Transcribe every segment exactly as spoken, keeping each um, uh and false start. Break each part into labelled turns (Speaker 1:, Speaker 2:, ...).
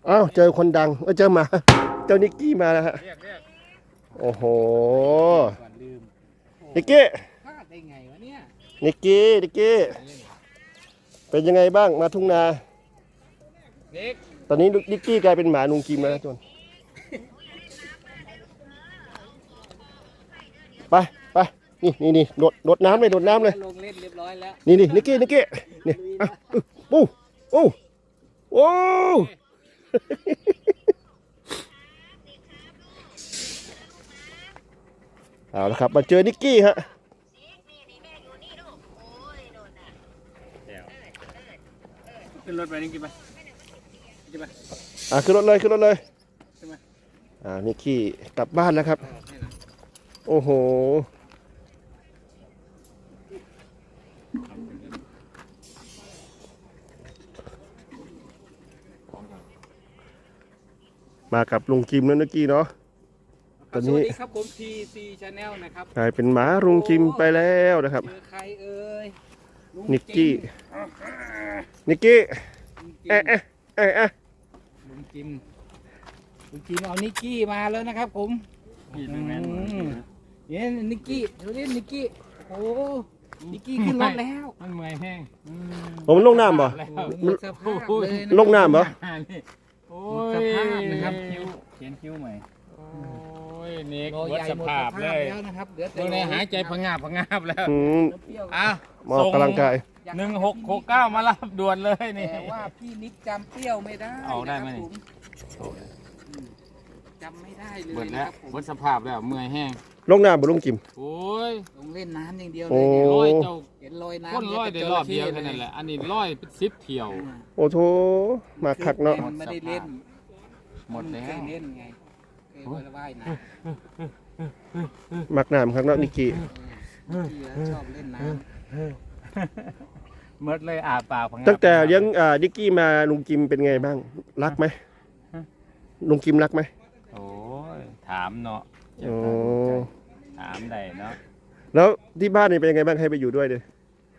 Speaker 1: อ้าวเจอคนดังเออเจอหมาเจ้านิกกี้มาแล้วฮะโอ้โหนิกกี้
Speaker 2: พลาดได้ไงวะเนี่ย
Speaker 1: นิกกี้นิกกี้เป็นยังไงบ้างมาทุ่งนาตอนนี้นิกกี้กลายเป็นหมาลุงกิมแล้วนะจนไปไปนี่นี่นี่โดดโดดน้ำเลยโดดน้ำเลย
Speaker 2: ลงเล่นเรียบร้อยแล้ว
Speaker 1: นี่นี่นิกกี้นิกกี้นี่อ่ะปูโอ้โอ้เอาละครับมาเจอนิกกี้ฮะ
Speaker 2: ขึ้นรถไปนิกกี้ไปนิกกี้ไป
Speaker 1: อ่ะขึ้นรถเลยขึ้นรถเลยอ่านิกกี้กลับบ้านแล้วครับโอ้โหมากับลุงกิมแล้วนิกกี้เนาะตอนนี้
Speaker 2: สวัสดีครับผม ที ซี Channel นะครับ
Speaker 1: กลายเป็นหมาลุงกิมไปแล้วนะครับ
Speaker 2: เจอใครเอ่ย
Speaker 1: นิกกี้นิกกี้เอ๊ะเอ๊ะเอ๊ะเอ๊ะ
Speaker 2: ลุงจิมลุงจิมเอานิกกี้มาแล้วนะครับผมเนี่ยนิกกี้เดี๋ยวนี้นิกกี้โอ้นิกกี้ขึ้นรถแล้ว
Speaker 3: มันเมื่อยแห้ง
Speaker 1: ผมลงน้ำป่ะลงน้ำป่ะ
Speaker 3: โอ้ยสภาพนะครับคิ้วเขียนคิ้วใหม่โอ้ยเน็กวัดสภาพเลยตรงนี้หายใจพังงาบพังงาบแล้วอ่ะ
Speaker 1: มอกกำลังกาย
Speaker 3: หนึ่งหกหกเก้ามารับด่วนเลยนี่
Speaker 2: แต่ว่าพี่นิกจำเปรี้ยวไม่ได้
Speaker 3: เอาได้ไหม
Speaker 2: จำไม่ได้เลย
Speaker 3: เบิดแล้ววัดสภาพแล้วเมื่อยแห้ง
Speaker 1: ลงน้ำบ่ลุงกิม
Speaker 3: โอ้ย
Speaker 2: ลงเล่นน้ำอย่างเดียวเลย
Speaker 3: ลอยเจ้า
Speaker 2: เห็นลอยน้ำ
Speaker 3: คนลอยได้รอบเดียวแค่นั้นแหละอันนี้ลอยเป็นสิบเที่ยว
Speaker 1: โอ้โถมาคักเนาะ
Speaker 2: ไม่ได้เล่น
Speaker 3: หมดแล้ว
Speaker 2: เคยเล่นไงเคยว่ายน้
Speaker 1: ำมักน้ำครับเนาะนิกกี้
Speaker 2: ชอบเล่นน้
Speaker 3: ำเมื่อเลยอาปาก
Speaker 1: ตั้งแต่เลี้ยงนิกกี้มาลุงกิมเป็นไงบ้างรักไหมลุงกิมรักไหม
Speaker 3: โอ้ยถามเนาะ
Speaker 1: โอ้
Speaker 3: ถามได้เนาะ
Speaker 1: แล้วที่บ้านนี่เป็นยังไงบ้างให้ไปอยู่ด้วยเลย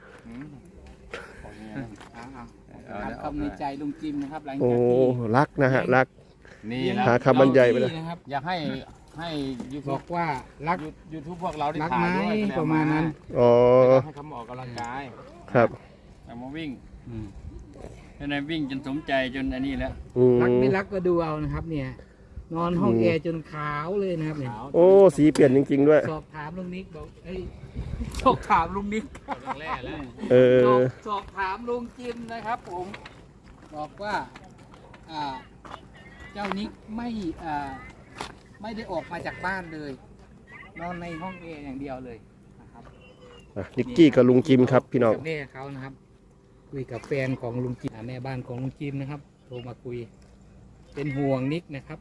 Speaker 2: คำในใจลุงจิมนะครับหลังจาก
Speaker 1: ที่รักนะฮะรัก
Speaker 3: นี่
Speaker 1: หาคำบรรยายไปเลย
Speaker 3: อยากให้ให้ยูทู
Speaker 2: บอกว่ารัก
Speaker 3: ยูทูบพวกเราได้ถ่ายด้วย
Speaker 2: ประมาณนั้น
Speaker 1: อ๋อ
Speaker 3: ให้เขาออกกำลังกาย
Speaker 1: ครับ
Speaker 3: แต่มาวิ่งในวิ่งจนสมใจจนอันนี้แล้ว
Speaker 2: รักไม่รักก็ดูเอานะครับเนี่ยนอนห้องแอร์จนขาวเลยนะครับเนี่ย
Speaker 1: โอ้สีเปลี่ยนจริงๆด้วย
Speaker 2: สอบถามลุงนิกบอกเอ้ยสอบถามลุงนิก
Speaker 3: แรกแล้ว
Speaker 1: เออ
Speaker 2: สอบถามลุงจิมนะครับผมบอกว่าอ่าเจ้านิกไม่อ่าไม่ได้ออกมาจากบ้านเลยนอนในห้องแอร์อย่างเดียวเลยนะครับ
Speaker 1: นิกกี้กับลุงจิมครับพี่น้อง
Speaker 2: แม่เขานะครับคุยกับแฟนของลุงจิมแม่บ้านของลุงจิมนะครับโทรมาคุยเป็นห่วงนิกนะครับ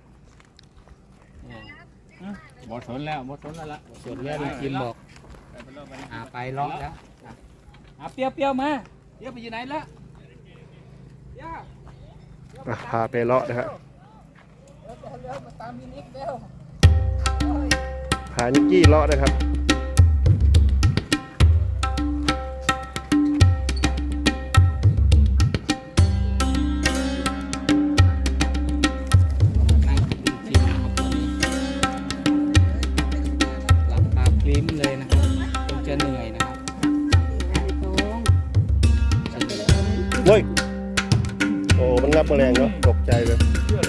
Speaker 3: หมดสนแล้วหมดสนแล้วละ
Speaker 2: ส่วนแรกลุงจิมบอกอ่าไปล็อกแล้วอ่าเปียวเปียวมาเปียวไปอยู่ไหนละ
Speaker 1: พาไปเลาะนะครับพานิกกี้เลาะนะครับเฮ้ยโอ้มันงับแมลงเนาะตกใจเลย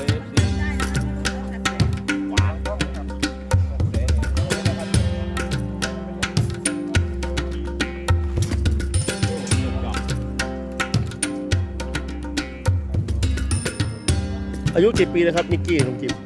Speaker 1: อายุกี่ปีแล้วครับนิกกี้ลุงจิม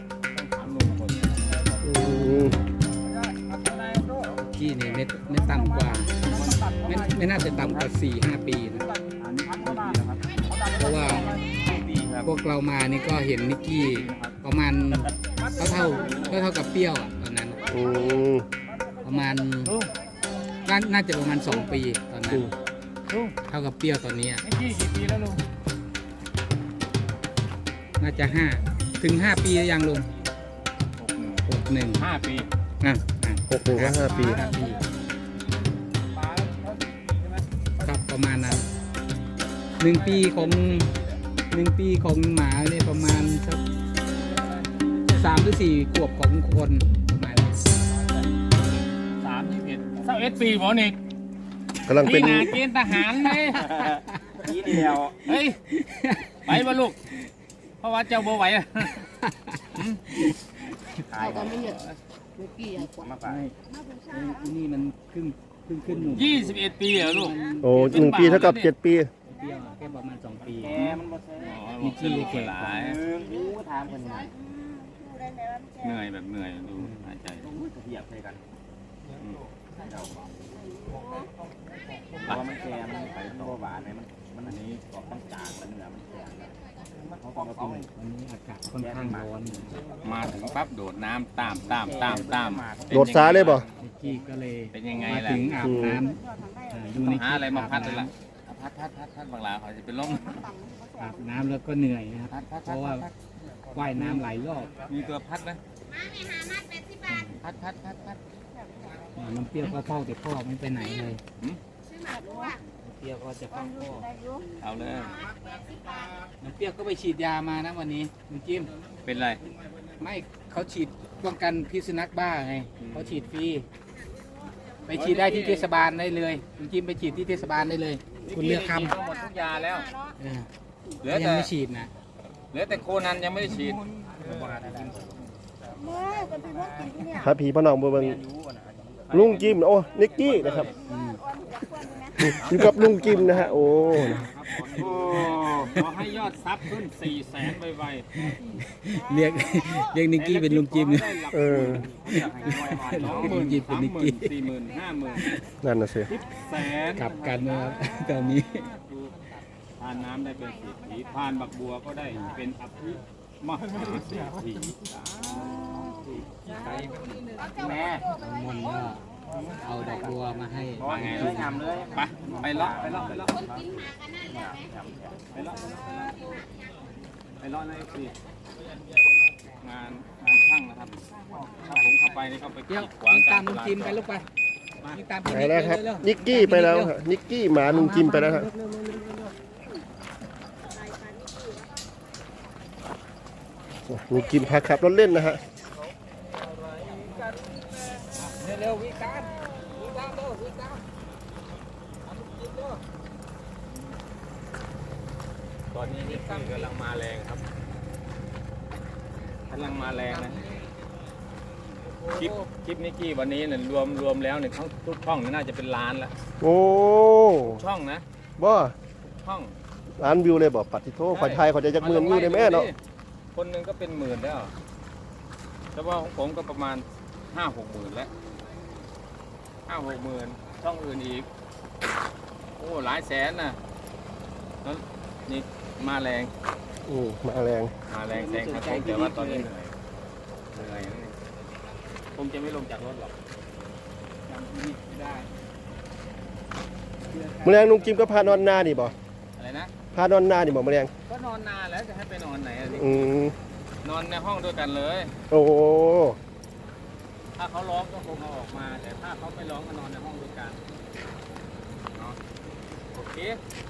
Speaker 2: กี้นี่ไม่ไม่ต่ำกว่าไม่ไม่น่าจะต่ำกว่าสี่ห้าปีนะเพราะว่าพวกเรามานี่ก็เห็นนิกกี้ประมาณเท่าเท่าเท่าเท่ากับเปรี้ยวอ่ะตอนนั้นประมาณน่าจะประมาณสองปีตอนนั้นเท่ากับเปรี้ยวตอนนี้นิกกี้กี่ปีแล้วลุงน่าจะห้าถึงห้าปียังลุงหกหนึ่ง
Speaker 3: ห้าปี
Speaker 1: อ่ะหกหนึ่งห้าปี
Speaker 2: ครับประมาณนั้นหนึ่งปีของหนึ่งปีของหมาเนี่ยประมาณสักสามหรือสี่ขวบของคนประมาณนี้
Speaker 3: สามยี่สิบเอ็ดเศร้าเอ็ดปีหมอนิก
Speaker 1: กำลังเป็น
Speaker 3: พี่นาเกณฑ์ทหารไหม
Speaker 4: ทีเดียว
Speaker 3: เฮ้ยไปบ่ลูกเพราะว่าเจ้าบ่ไหวอะ
Speaker 4: ตายกัน
Speaker 2: มาไปนี่มันครึ่งครึ่งขึ้นหนุ่ม
Speaker 3: ยี่สิบเอ็ดปีเหรอลูก
Speaker 1: โอ้หนึ่งปีเท่ากับเจ็ดปี
Speaker 2: เดียวแค่ประมาณสองปี
Speaker 4: แกมันบ่ใช่
Speaker 3: อ๋อมีที่เก่งหลาย
Speaker 4: รู้ถามกันหน่อย
Speaker 3: เหนื่อยแบบเหนื่อยดูหายใจ
Speaker 4: เหยียบใส่กันเพราะว่ามันแกมันไปตัวหวานไหมมันมันอันนี้กรอบต้องจางแล้วเนื้อมันแข็งมันเขากรอบเขา
Speaker 2: วันนี้อากาศค่อนข้างร้อน
Speaker 3: มาถึงปั๊บโดดน้ำตามตามตามตาม
Speaker 1: โดดซ้ายเลยบ่
Speaker 2: นิกกี้ก็เลย
Speaker 3: เป็นยังไง
Speaker 2: มา
Speaker 3: ล่ะ
Speaker 2: ถึงอาบน้ำอ่าดู
Speaker 3: ต้อ
Speaker 2: นิ
Speaker 3: ง
Speaker 2: ก
Speaker 3: หา
Speaker 2: กี้
Speaker 3: อะไรมาพัดเลยล่ะพัดพัดพัดพัดบางลาเขาจะเป็นลม
Speaker 2: อาบน้ำแล้วก็เหนื่อยนะครับ
Speaker 3: พัดพัด
Speaker 2: เพ
Speaker 3: พัด
Speaker 2: ราะว่าว่ายน้ำหลายรอบ
Speaker 3: มีตัวพัดไหมพัดพัดพัดพัด
Speaker 2: อ่าน้ำเปรี้ยวก็เฝ้าแต่พ่อไม่ไปไหนเลย
Speaker 3: หืม
Speaker 2: น้ำเปรี้ยวก็จะเฝ้าพ่อ
Speaker 3: เอาเลย
Speaker 2: น้ำเปรี้ยวก็ไปฉีดยามานะวันนี้ลุงจิ้ม
Speaker 3: เป็นไร
Speaker 2: ไม่เขาฉีดป้องกันพิษสุนัขบ้าไงเขาฉีดฟรีไปฉีดได้ที่เทศบาลได้เลยลุงจิ้มไปฉีดที่เทศบาลได้เลย คุณเลือกค
Speaker 3: นี่กินหมดทุกยาแล้ว
Speaker 2: ำเออ
Speaker 3: เหลือ
Speaker 2: ยั
Speaker 3: แต่
Speaker 2: งไม่ฉีดนะ
Speaker 3: เหลือแต่โคนันยังไม่ได้ฉีด
Speaker 1: พาผีพ่อน้องเบิ่งลุงจิมโอ้นิกกี้นะครับ
Speaker 2: อืม
Speaker 1: อยู่กับลุงจิมนะฮะโอ้
Speaker 3: โอ้ขอให้ยอดซับขึ้นสี่แสนไว
Speaker 2: เรียกเรียกนิกกี้เป็นลุงจิม
Speaker 3: ๆได้หลัก
Speaker 1: เออ
Speaker 3: สองหมื่นสามหมื่นสี่หมื่นห้าหมื่น
Speaker 1: นั่นน่ะสิ
Speaker 3: สิบแสน
Speaker 2: กลับกันนะครับตอนนี้
Speaker 3: ดูทานน้ำได้เป็นสิทธิทานบักบัวก็ได้เป็นอภิมหาเศรษฐี
Speaker 4: แม่
Speaker 2: มนต์ก็เอาดอกบัวมาให้
Speaker 4: พอไงเลยยำเลย
Speaker 3: ไปไปเลาะไปเลาะไปเลาะไปเลาะไปเลาะไปเลาะในสิงานงานช่างนะครับถ้าผมเข้าไปนี่เขาไป
Speaker 2: เดี๋ยว
Speaker 3: กีดขวาง
Speaker 2: วิ่ง
Speaker 3: กา
Speaker 2: ตาร ม
Speaker 3: ต
Speaker 2: ลุง
Speaker 3: ลาด
Speaker 2: จิมไปลูกไปวิ่งตามพี่
Speaker 1: ไป
Speaker 2: นิก
Speaker 1: แล้วครับ
Speaker 2: เร็วๆ
Speaker 1: นิกกี้ไปแล้วฮะนิกกี้หมาลุงจิมไปแล้วฮะลุงจิมพาขับรถเล่นนะฮะ
Speaker 2: เร็วๆวิ่งตามวิ่งตามเร็ววิ่งตาม
Speaker 3: ตอนนี้นี่คือกำลังมาแรงครับกำลังมาแรงนะคลิปคลิปนิกกี้วันนี้เนี่ยรวมรวมแล้วเนี่ยทั้งทุกช่องนี่น่าจะเป็นล้านแล้ว
Speaker 1: โอ้
Speaker 3: ช่องนะ
Speaker 1: บ่
Speaker 3: ช่อง
Speaker 1: ล้านวิวเลยบ่ปัดทิโทขอไทยขอจะจักหมื่นวิวได้แม่เนาะ
Speaker 3: คนหนึ่งก็เป็นหมื่นแล้วแต่ว่าของผมก็ประมาณห้าหกหมื่นแล้วห้าหกหมื่นช่องอื่นอีกโอ้หลายแสนนะแล้วนี่มาแรง
Speaker 1: อืมมาแรง
Speaker 3: มาแรงแซงครับผมแต่ว่าตอนนี้เหนื่อยเหนื่อยนะนี่คงจะไม่ลงจากรถหรอก
Speaker 2: จำพี่นิกไม่ได้
Speaker 1: แมลงลุงจิมก็พานอนนานี่บ่
Speaker 3: อะไรนะ
Speaker 1: พานอนนานี่บ่แมลง
Speaker 3: ก็นอนนานแล้วจะให้ไปนอนไหนอะนี่
Speaker 1: อืม
Speaker 3: นอนในห้องด้วยกันเลย
Speaker 1: โอ้
Speaker 3: ถ้าเขาร้องก็คงเอาออกมา แต่ถ้าเขาไม่ร้องก็นอนในห้องด้วยกันเนาะโอเค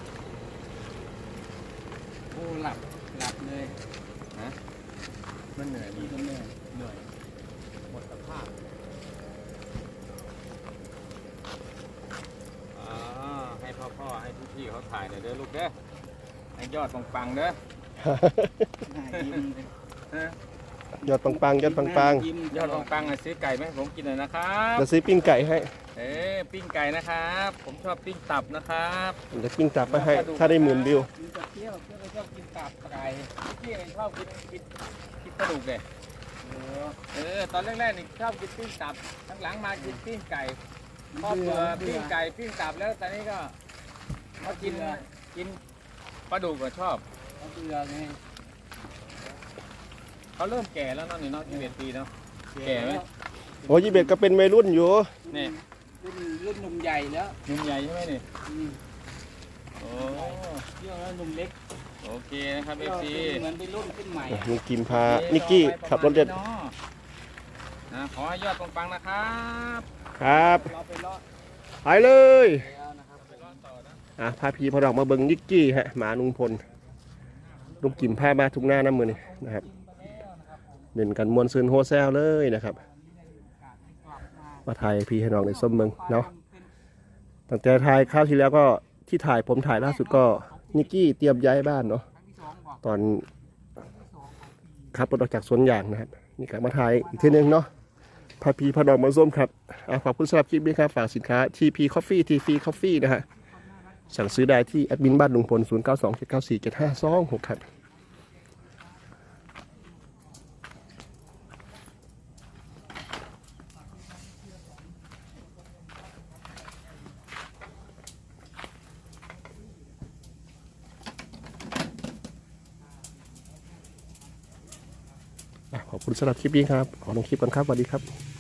Speaker 2: โอ้หลับหลับเลย
Speaker 3: นะมันเหนื่อย
Speaker 2: นี่ก็เหนื่อย
Speaker 3: เหนื่อยหมดสภาพอ่าให้พ่อๆให้พี่ๆเขาถ่ายหน่อยเด้อลูกเด้อให้ยอดปังๆเด้อ
Speaker 2: หน้ายิ้มเลย
Speaker 3: ฮะ
Speaker 1: ยอดปังๆยอดปัง
Speaker 2: ยิ้ม
Speaker 3: ยอดปังๆอ่ะซื้อไก่ไหมผมกินหน่อยนะครับ
Speaker 1: ๆจะซื้อปิ้งไก่ให้
Speaker 3: เอ๊ะปิ้งไก่นะครับ ผมชอบปิ้งตับนะครับ
Speaker 1: เดี๋ยวปิ้งตับไปให้ ถ้าได้หมื่นวิว
Speaker 2: มีแต่เที่ยวเที่ยวก็ชอบกินตับไก่
Speaker 3: พี่เองชอบกินกินกินกระดูกเลยเออตอนแรกๆนี่ชอบกินปิ้งตับหลังๆมากินปิ้งไก่พอเบื่อปิ้งไก่ปิ้งตับแล้วตอนนี้ก็มากินกินปลาดุกก็ชอบ
Speaker 2: เขาเบื่อไง
Speaker 3: เขาเริ่มแก่แล้วเนาะนี่เนาะยี่สิบเอ็ดปีเนาะ แก่ไหม
Speaker 1: โอ้ยี่เบ็ดก็เป็นวัยรุ่นอยู่
Speaker 3: นี่
Speaker 2: รุ่นรุ่นหนุ่มใหญ่แล้ว
Speaker 3: หนุ่มใหญ่ใช่ไหมนี่
Speaker 2: อืม
Speaker 3: โอ้
Speaker 2: เที่ยวแล้วหนุ่มเล็ก
Speaker 3: โอเคนะครับเอ
Speaker 2: เที่ยว
Speaker 3: ฟซี
Speaker 2: เหมือนเป็นรุ่นขึ้นใหม่
Speaker 1: ลุงจิมพานิกกี้ขับรถเล่น
Speaker 3: นะขอให้ยอดปังๆนะครับ
Speaker 1: ครับ
Speaker 2: เราไปเลาะ
Speaker 1: ไปเลย
Speaker 2: แล้วนะครับ
Speaker 3: ไปรอดต่อนะ
Speaker 1: อ่ะพาพี่พอดอกมาเบิ่งนิกกี้ฮะหมาลุงพลลุงกิมพามาทุกหน้าน้ำมือนี่นะครับเด่นกันมวลซืนโฮเซลเลยนะครับมาถ่ายพี่ให้น้องในส้มเมืองเนาะตั้งแต่ถ่ายคราวที่แล้วก็ที่ถ่ายผมถ่ายล่าสุดก็นิกกี้เตรียมย้ายบ้านเนาะตอนขับรถออกจากสวนยางนะครับนี่กลับมาถ่ายอีกทีนึงเนาะพาพี่พาน้องมาส้มครับขอบคุณสำหรับคลิปนี้ครับฝากสินค้า ที พี Coffee ที พี Coffee นะฮะสั่งซื้อได้ที่แอดมินบ้านลุงพลศูนย์ เก้า สอง เจ็ด เก้า สี่ เจ็ด ห้า สอง หกครับขอบคุณสำหรับคลิปนี้ครับขอลงคลิปกันครับสวัสดีครับ